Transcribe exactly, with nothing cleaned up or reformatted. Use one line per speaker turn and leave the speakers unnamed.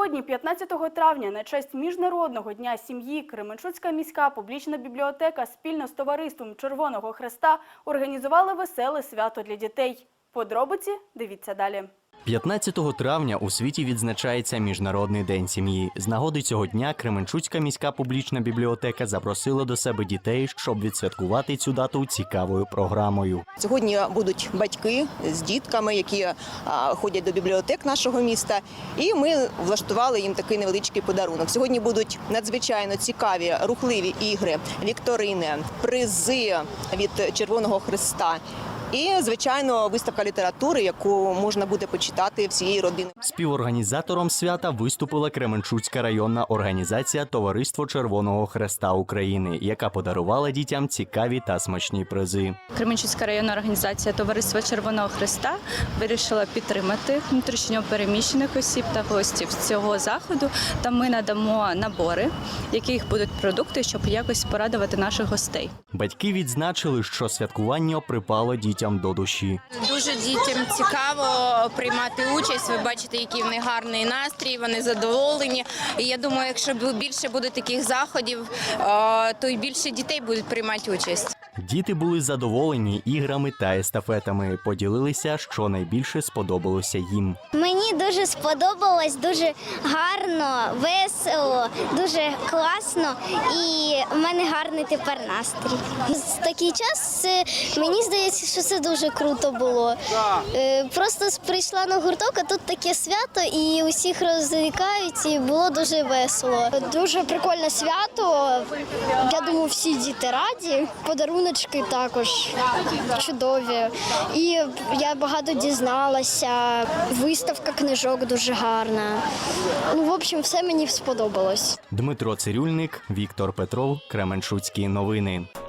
Сьогодні, п'ятнадцятого травня, на честь Міжнародного дня сім'ї, Кременчуцька міська публічна бібліотека спільно з товариством Червоного Хреста організували веселе свято для дітей. Подробиці дивіться далі.
п'ятнадцятого травня у світі відзначається Міжнародний день сім'ї. З нагоди цього дня Кременчуцька міська публічна бібліотека запросила до себе дітей, щоб відсвяткувати цю дату цікавою програмою.
Сьогодні будуть батьки з дітками, які ходять до бібліотек нашого міста, і ми влаштували їм такий невеличкий подарунок. Сьогодні будуть надзвичайно цікаві, рухливі ігри, вікторини, призи від Червоного Хреста. І, звичайно, виставка літератури, яку можна буде почитати всією родиною.
Співорганізатором свята виступила Кременчуцька районна організація «Товариство Червоного Хреста України», яка подарувала дітям цікаві та смачні призи.
Кременчуцька районна організація «Товариство Червоного Хреста» вирішила підтримати внутрішньо переміщених осіб та гостів цього заходу. Та ми надамо набори, в яких будуть продукти, щоб якось порадувати наших гостей.
Батьки відзначили, що святкування припало дітям до душі.
Дуже дітям цікаво приймати участь, ви бачите, який в них гарний настрій, вони задоволені. І я думаю, якщо більше буде таких заходів, то й більше дітей будуть приймати участь.
Діти були задоволені іграми та естафетами, поділилися, що найбільше сподобалося їм.
Мені дуже сподобалось, дуже гарно, весело, дуже класно і в мене гарний тепер настрій. В такий час мені здається, що це дуже круто було. Просто прийшла на гурток, а тут таке свято і усіх розвлікають, і було дуже весело. Дуже прикольне свято, я думаю, всі діти раді, подаруночки також чудові. І я багато дізналася, виставка книжок дуже гарна. Ну, в общем, все мені сподобалось.
Дмитро Цирюльник, Віктор Петров, Кременчуцькі новини.